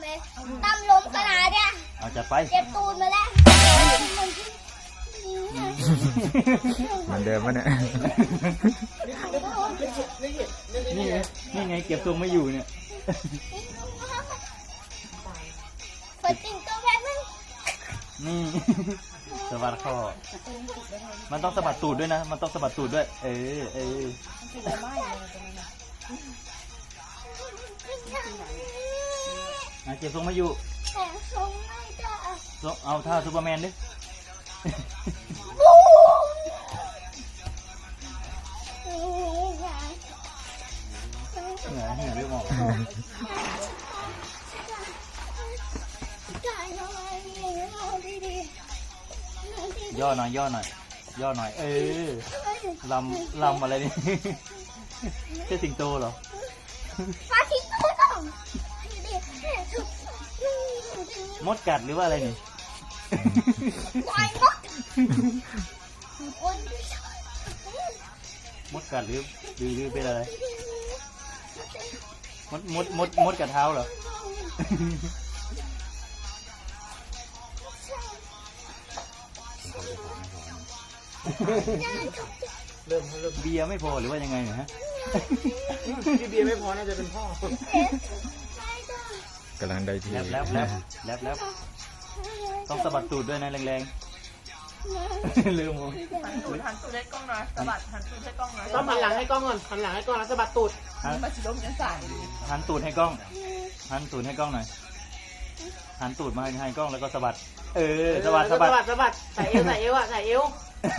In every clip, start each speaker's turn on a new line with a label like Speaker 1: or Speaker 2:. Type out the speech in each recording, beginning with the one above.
Speaker 1: เลยตั้มลมขนาดเนี่ย
Speaker 2: เอาจัดไป
Speaker 1: เจ็บตูนมาแล้ว
Speaker 3: เหมือนเดิมปะเนี่ย
Speaker 2: นี่ไงเก็บทรงไม่อยู่เนี่ย
Speaker 1: ฝนจริงตัวแพงมั้ง
Speaker 2: นี่สะบัดคอมันต้องสะบัดตูดด้วยนะมันต้องสะบัดตูดด้วยเออเก็บทรงไม่อยู่
Speaker 1: แต่ทรงไม่ได้
Speaker 2: เอาท่าซูเปอร์แมนดิเหนื่อยเรื่องออกย่อหน่อยย่อหน่อยลำอะไรนี่ใช่สิงโตเหรอ
Speaker 1: ฟาสิงโตต้อง
Speaker 2: มดกัดหรือว่าอะไรนี่
Speaker 1: ควาย
Speaker 2: มดกัดหรือเป็นอะไรมดกัดเท้าเหรอเริ่มเบียร์ไม่พอหรือว่ายังไงเนี่ยฮะ
Speaker 4: เบียร์ไม่พอน่าจะเป็นพ่
Speaker 3: อกำลังได้ที่
Speaker 2: แล้วต้องสะบัดตูดด้วยนะแรงๆลืมผม
Speaker 5: หันตูดให้กล้องหน่อยสะบัดหันตูดให้กล้องหน่อย
Speaker 4: ต้องหันหลังให้กล้องก่อนหันหลังให้กล้องแล้วสะบัดตูด
Speaker 5: มาสิล้มยังสั่น
Speaker 2: หันตูดให้กล้องหันตูดให้กล้องหน่อยหันตูดมาให้กล้องแล้วก็สะบัดสะบัด
Speaker 4: ใส่เอวใส่เอว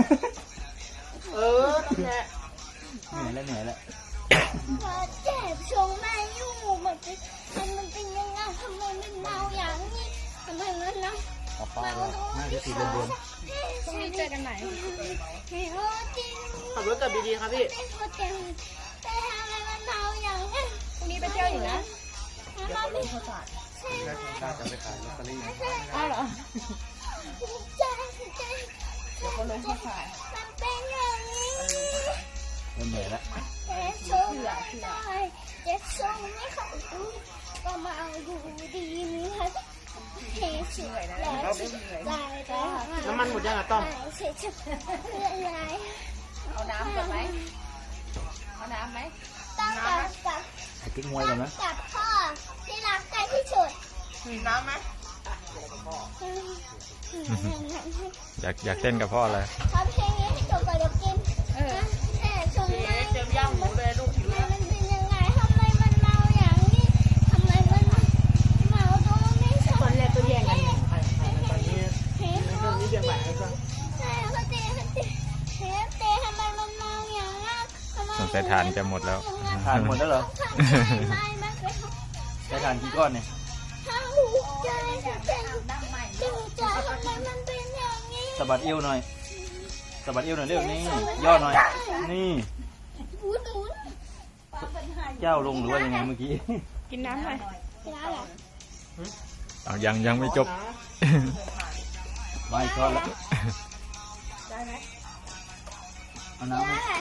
Speaker 4: นั่นแหละ
Speaker 2: เหนื่อยแล้ว
Speaker 1: เจ็บชงแม่ยุ่งมันเป็นยังไงทำไมมันเมาอย่างนี้ทำไมมันนะ
Speaker 2: น่าจะตีบน
Speaker 1: พรุ่งนี้เจอกันไหน
Speaker 4: ขับรถกลับดีๆครับพี่
Speaker 1: แต่ทำไมมันเมาอย่างนี้
Speaker 5: พรุ่งนี้ไปเที่ยวอยู่นะเดี๋ยวเขาลงข้าวสาร
Speaker 2: จะไปขายลอตเตอรี่
Speaker 5: อ้าวเหรอ
Speaker 1: ใจ
Speaker 5: เดี๋ยวเขาลงข้าวสาร
Speaker 1: มันเป็นอย่างนี้
Speaker 2: เหนื่อยแล้ว
Speaker 1: เจ็บชงไม่ได้เจ็บชงไม่เข้าดูก็มาดูดีมีฮัทเฮ้ยสวยนะแล้ว
Speaker 4: น้ำมันหมดยังอ่ะต้อม
Speaker 5: เอาน้ำก่อนไหมเอาน้ำไหม
Speaker 1: ต้องกับ
Speaker 2: กิ๊กมวยก่อนนะ
Speaker 1: กับพ่อที่รักกันที่สุด
Speaker 5: มีน้ำไหม
Speaker 3: อยากเต้นกับพ่อเลย
Speaker 1: ทำเพลงนี้ให้จบก่อนเดี๋ยวกินแต่ชงไม่
Speaker 5: เจมย่างหมูเลยลูกหิว
Speaker 1: มันเป็นยังไงทำไมมันเมาอย่างนี้ทำไมมันเมาตัวไม่ชอบ
Speaker 4: ตอนแรกตัวแย่งกันตอนนี้เรื่องนี้เรื่องใหม่แล้วก็
Speaker 1: เขาเตะทำไมมันเมาอย่างนั้น
Speaker 3: สงสัยทานจะหมดแล้ว
Speaker 2: ทานหมดแล้วเหรอได้ทานกี่ก้อนเนี่ยสะบัดเอวหน่อยเร็วนี่ย่อหน่อยนี่เจ้าลงหรือว่ายังไงเมื่อกี้
Speaker 5: กินน้ำหน่อย
Speaker 3: ยังไม่จบ
Speaker 2: ไม่ก้อนแล้ว
Speaker 5: ได้ไหม
Speaker 2: เอาน้ำ